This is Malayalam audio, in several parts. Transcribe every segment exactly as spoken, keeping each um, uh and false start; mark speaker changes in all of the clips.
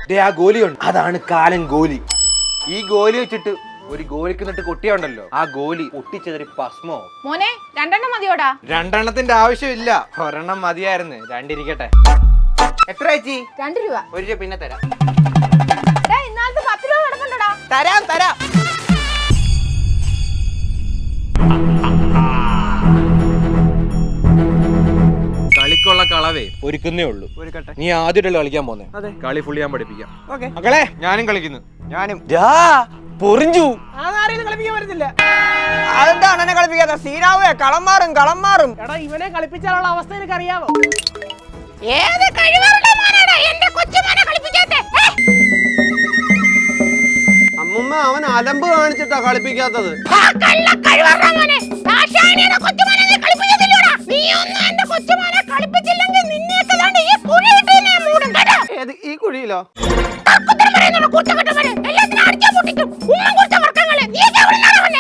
Speaker 1: ആ ഗോലിയുണ്ട്, അതാണ് കാലൻ ഗോലി. ഈ ഗോലി വെച്ചിട്ട് ഒരു ഗോലിക്ക് നിട്ട് കൊട്ടിയുണ്ടല്ലോ, ആ ഗോലി പൊട്ടിച്ചതൊരു ഭസ്മോ.
Speaker 2: മോനെ രണ്ടെണ്ണം മതിയോടാ?
Speaker 1: രണ്ടെണ്ണത്തിന്റെ ആവശ്യമില്ല, ഒരെണ്ണം മതിയായിരുന്നു. രണ്ടിരിക്കട്ടെ. എത്ര ചേച്ചി?
Speaker 2: രണ്ട് രൂപ.
Speaker 1: ഒരു രൂപ പിന്നെ തരാം.
Speaker 2: ഇന്നാലത്തെ പത്ത് രൂപ കിടക്കണ്ടടാ.
Speaker 1: തരാം തരാം. കളിക്കുള്ള കളവേ ഒരുക്കുന്നേ ഉള്ളൂ. നീ ആദ്യമായിട്ടല്ലോ കളിക്കാൻ പോന്നെ, കളി ഫുള്ളി ഞാൻ പഠിപ്പിക്കാം. മക്കളെ ഞാനും കളിക്കുന്നു. ഞാനും പൊറിഞ്ചു
Speaker 3: കളിപ്പിക്കാൻ പറ്റത്തില്ല.
Speaker 4: അതെന്താ അണ്ണനെ കളിപ്പിക്കാത്ത? സീനാവേ കളം മാറും കളം മാറും.
Speaker 3: എടാ ഇവനെ കളിപ്പിച്ചാലുള്ള അവസ്ഥ എനിക്ക് അറിയാവോ?
Speaker 2: ഏത് കഴിവുള്ള മോനാടാ എന്റെ കൊച്ചുമോനെ കളിപ്പിക്കാത്തെ?
Speaker 4: അമ്മുമ്മ അവൻ അലമ്പ് കാണിച്ചിട്ടാ കളിപ്പിക്കാത്തത്.
Speaker 2: ആ കള്ള കഴിവുള്ള മോനെ, ദാശായനിയുടെ കൊച്ചുമോനെ നീ കളിപ്പിക്കത്തില്ലടാ. നീ ഒന്നും എന്റെ കൊച്ചുമോനെ കളിപ്പിച്ചില്ലെങ്കിൽ നിന്നെയൊക്കെ ദാണ്ട് ഈ കുഴിയിട്ട് ഞാൻ മൂടും കേട്ടോ.
Speaker 4: ഏത് ഈ കുഴിയിലോ?
Speaker 2: തർക്കുത്തരം പറയുന്നുള്ള കൂട്ടക്കെട്ടവനെ എല്ലാത്തിനും അടിച്ചു പൊട്ടിക്കും. ഉമ്മ കൊടുത്ത വർക്കങ്ങളെ നീ എവിടുന്നാണ് വന്നെ?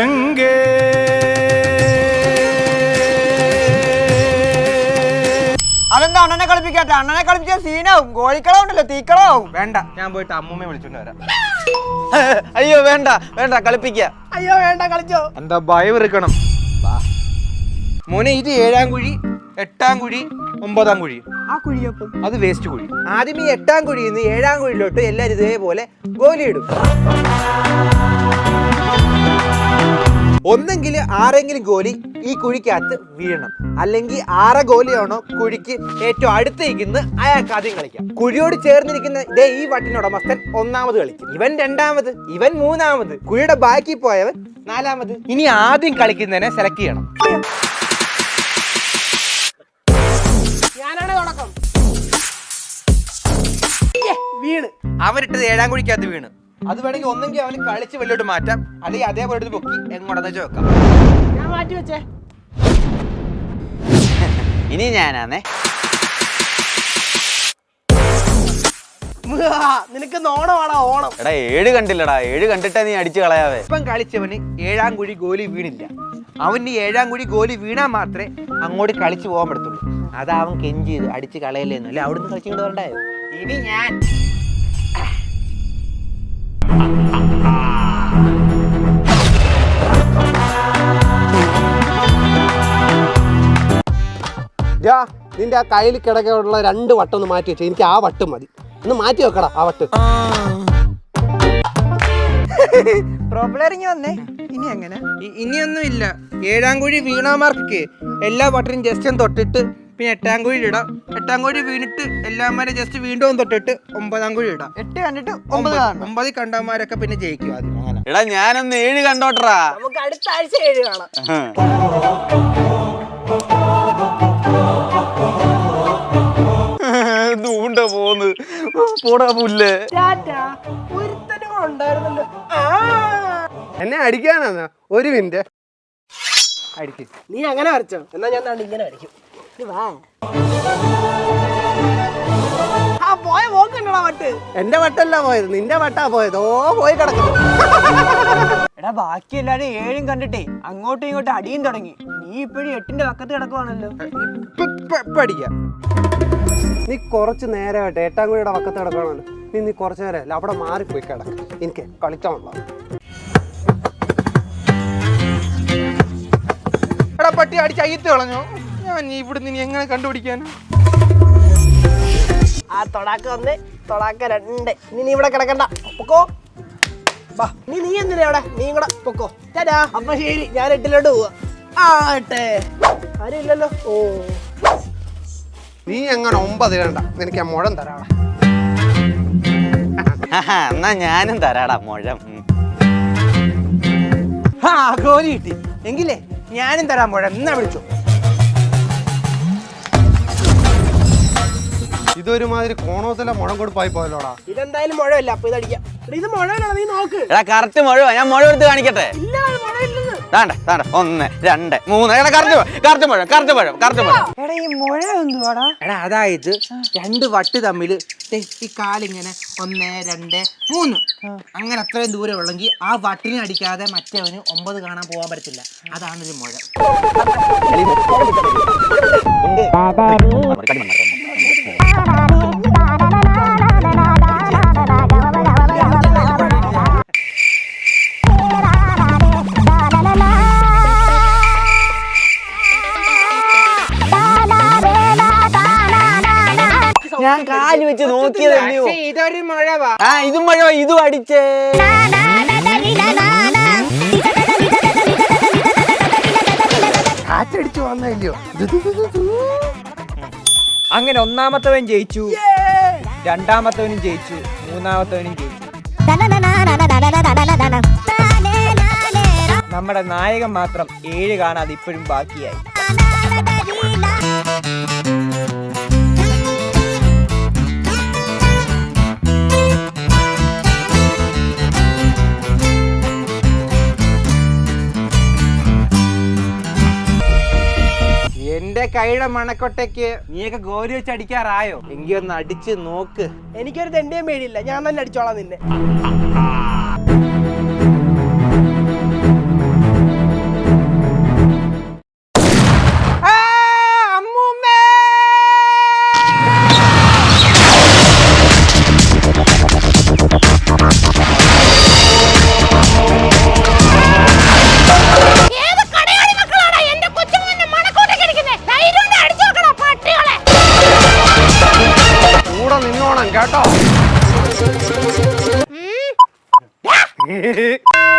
Speaker 4: അതെന്താ അണ്ണനെ കളിപ്പിക്കാത്ത? അണ്ണനെ കളിപ്പിച്ച സീനാവും. ഗോളിക്കളം ഉണ്ടല്ലോ, തീക്കളാവും.
Speaker 1: വേണ്ട, ഞാൻ പോയിട്ട് അമ്മൂമ്മയെ വിളിച്ചോണ്ട് വരാം.
Speaker 4: അയ്യോ വേണ്ട വേണ്ട കളിപ്പിക്ക.
Speaker 3: അയ്യോ വേണ്ട കളിച്ചോ.
Speaker 1: എന്താ ഭയം ഇറുക്കണം. മോനെ ഇത് ഏഴാം കുഴി, എട്ടാം കുഴി, ഒമ്പതാം കുഴി.
Speaker 4: ആ കുഴിയപ്പം
Speaker 1: അത് വേസ്റ്റ് കുഴി. ആദ്യം ഈ എട്ടാം കുഴിയിൽ നിന്ന് ഏഴാം കുഴിയിലോട്ട് എല്ലാവരും ഇതേപോലെ ഗോലി ഇടും. ഒന്നെങ്കിൽ ആരെങ്കിലും ഗോലി ഈ കുഴിക്കകത്ത് വീഴണം, അല്ലെങ്കിൽ ആറ ഗോലിയാണോ കുഴിക്ക് ഏറ്റവും അടുത്തേക്കുന്നത് അയാൾക്ക് ആദ്യം കളിക്കാം. കുഴിയോട് ചേർന്നിരിക്കുന്ന ഇതേ ഈ വട്ടിനുടമസ്ഥൻ ഒന്നാമത് കളിക്കും, ഇവൻ രണ്ടാമത്, ഇവൻ മൂന്നാമത്, കുഴിയുടെ ബാക്കി പോയവൻ നാലാമത്. ഇനി ആദ്യം കളിക്കുന്നതിനെ സെലക്ട് ചെയ്യണം.
Speaker 3: ഞാനാണ് തുടക്കം. വീണ്
Speaker 1: അവനിട്ടത് ഏഴാം കുഴിക്കകത്ത് വീണ്. അത് വേണമെങ്കിൽ ഒന്നെങ്കിൽ അവന് കളിച്ച് വെള്ളോട്ട് മാറ്റാം, അല്ലെങ്കിൽ അതേപോലെ എടുത്ത് പൊക്കി എങ്ങോട്ടെന്ന് വെച്ച് വെക്കാം.
Speaker 3: ഞാൻ മാറ്റി വെച്ചേ.
Speaker 4: ഇനി ഞാനാന്നേ.
Speaker 3: നിനക്ക് നോണമാടാ ഓണം.
Speaker 4: എടാ ഏഴ് കണ്ടില്ലടാ, ഏഴ് കണ്ടിട്ടാ നീ അടിച്ചു കളയാവേ.
Speaker 1: ഇപ്പം കളിച്ചവന് ഏഴാം കുഴി ഗോലി വീണില്ല. അവന് ഏഴാം കുഴി ഗോലി വീണാൽ മാത്രമേ അങ്ങോട്ട് കളിച്ചു പോകാൻ പറ്റത്തുള്ളൂ. അതാ അവൻ കെഞ്ചി ചെയ്ത് അടിച്ച് കളയല്ലേന്നു. അല്ലെ അവിടുന്ന് കളിച്ചുകൊണ്ട് വരണ്ടായോ? ഇനി ഞാൻ
Speaker 5: നിന്റെ ആ കയ്യിൽ കിടക്കാനുള്ള രണ്ട് വട്ടം ഒന്ന് മാറ്റി വെച്ചു. എനിക്ക് ആ വട്ടം മതി, ഒന്ന് മാറ്റി വെക്കടാ ആ വട്ട്.
Speaker 4: പ്രോബ്ലറിങ് വന്നേ. ഇനി എങ്ങനെ?
Speaker 1: ഇനിയൊന്നും ഇല്ല. ഏഴാം കുഴി വീണാമാർക്ക് എല്ലാ വട്ടനും ജസ്റ്റ് ഒന്ന് തൊട്ടിട്ട് പിന്നെ എട്ടാം കുഴി ഇടാം. എട്ടാം കുഴി വീണിട്ട് എല്ലാമാരെ ജസ്റ്റ് വീണ്ടും തൊട്ടിട്ട് ഒമ്പതാം കുഴി ഇടാം.
Speaker 4: എട്ട് കണ്ടിട്ട് ഒമ്പത്
Speaker 1: ഒമ്പതിൽ കണ്ടവന്മാരൊക്കെ പിന്നെ ജയിക്കും ആദ്യം. അങ്ങനെ
Speaker 4: എടാ ഞാനൊന്ന് ഏഴ് കണ്ടോട്ടറാ.
Speaker 3: നമുക്ക് അടുത്ത ആഴ്ച ഏഴ് കാണാം.
Speaker 4: ദൂണ്ട പോന്ന് പോടാ പുല്ല്.
Speaker 3: ഒരുത്തനും ഉണ്ടായിരുന്നല്ലോ.
Speaker 5: എന്നെ അടിക്കാനാ? ഒരു മിനിറ്റ്
Speaker 1: അടിക്കും.
Speaker 3: നീ അങ്ങനെ വരച്ചോ, എന്നാ ഞാൻ ദാണ്ട് ഇങ്ങനെ വരയ്ക്കും. വാ. ആ പോയ പോക്കണ്ടടാ വട്ട്.
Speaker 5: എന്റെ വട്ടല്ല പോയത്, നിന്റെ വട്ടാ പോയത്. ഓ പോയി കിടക്കുന്നു.
Speaker 4: എടാ ബാക്കി എല്ലാരും ഏഴും കണ്ടിട്ടേ അങ്ങോട്ടും ഇങ്ങോട്ടും അടിയും തുടങ്ങി. നീ ഇപ്പോഴും എട്ടിന്റെ പക്കത്ത് കിടക്കുവാണല്ലോ.
Speaker 1: അടിക്കാം.
Speaker 5: നീ കുറച്ച് നേരമായിട്ട് എട്ടാം കുഴിയുടെ പക്കത്ത് കിടക്കണമല്ലോ. നീ നീ കുറച്ച് നേരം അല്ല അവിടെ മാറിപ്പോയി കിടക്കും. എനിക്ക് കളിക്കാനുള്ള
Speaker 1: എടാ പട്ടി അടിച്ച് അയ്യത്ത് കളഞ്ഞോ? ഞാൻ ഇവിടുന്ന് ഇനി എങ്ങനെ കണ്ടുപിടിക്കാനാ?
Speaker 3: ആ തൊടാക്ക ഒന്ന്, തൊടാക്ക രണ്ട്. ഇനി നീ ഇവിടെ കിടക്കണ്ട, പൊക്കോ. വാ, നീ നീ എന്തിനാ അവിടെ? നീ കൂടെ പൊക്കോ. ചേട്ടാ അപ്പൊ ശരി, ഞാൻ എട്ടിലോട്ട് പോവാ. ആട്ടെ ആരും ഇല്ലല്ലോ. ഓ
Speaker 5: നീ എങ്ങനെ ഒമ്പത് വേണ്ട, നിനക്ക് ഞാൻ മുഴം തരാടാ.
Speaker 4: എന്നാ ഞാനും തരാടാ മുഴം.
Speaker 1: ആ ഗോലി കിട്ടി എങ്കിലേ ഞാനും തരാൻ പോഴ. എന്നാ വിളിച്ചോ.
Speaker 5: ഇതൊരുമാതിരി കോണോത്തിലെ മുഴം കൊടുപ്പായി പോയല്ലോടാ.
Speaker 3: ഇതെന്തായാലും മുഴവില്ല, അപ്പൊ ഇതടിക്കാം. ഇത് മുഴവില്ല, നീ നോക്ക്.
Speaker 4: എടാ കറക്റ്റ് മുഴ. ഞാൻ മുഴ എടുത്ത് കാണിക്കട്ടെ.
Speaker 3: ഇല്ല മുഴവില്ലെന്ന്.
Speaker 4: താണ്ട താണ്ട ഒന്ന് രണ്ട് മൂന്ന്. എടാ കറക്റ്റ് കറക്റ്റ് മുഴ കറക്റ്റ് മുഴ കറക്റ്റ് മുഴ. എടാ ഈ മുഴ എന്തുവാടാ?
Speaker 1: എടാ അതായത് രണ്ട് വട്ട് തമ്മിൽ ഈ കാലിങ്ങനെ ഒന്ന് രണ്ട് മൂന്ന് അങ്ങനെ അത്രയും ദൂരം ഉള്ളെങ്കിൽ ആ വട്ടിനെ അടിക്കാതെ മറ്റവന് ഒമ്പത് കാണാൻ പോകാൻ പറ്റത്തില്ല. അതാണൊരു മുഴ.
Speaker 4: ഞാൻ കാല് വെച്ച് നോക്കിയതല്ലയോ.
Speaker 1: പക്ഷേ ഇതൊരു മുഴവാ.
Speaker 4: ആ ഇതും മഴ ഇതും അടിച്ചേ.
Speaker 3: കാറ്റടിച്ചു വന്നല്ലോ.
Speaker 4: അങ്ങനെ ഒന്നാമത്തവൻ ജയിച്ചു, രണ്ടാമത്തവനും ജയിച്ചു, മൂന്നാമത്തവനും ജയിച്ചു. നമ്മുടെ നായകൻ മാത്രം ഏഴ് കാണാതെ ഇപ്പോഴും ബാക്കിയായി.
Speaker 1: എന്റെ കൈയുടെ മണക്കൊട്ടയ്ക്ക് നീയൊക്കെ ഗോലി വെച്ച് അടിക്കാറായോ? എങ്കി ഒന്ന് അടിച്ച് നോക്ക്.
Speaker 3: എനിക്കൊരു തെണ്ടിയും പേടിയില്ല, ഞാൻ തന്നെ അടിച്ചോളാം നിന്നെ.
Speaker 2: ഏത് കടയാടി മക്കളാടാ എന്റെ കൊച്ചുമോനെ മണക്കോട്ടയ്ക്ക് അടിക്കുന്നേ? ധൈര്യം ഉണ്ടെങ്കിൽ അടിച്ചു നോക്കടാ പട്ടികളെ.
Speaker 5: കൂടെ നിന്നോണം കേട്ടോ.
Speaker 2: ഉം.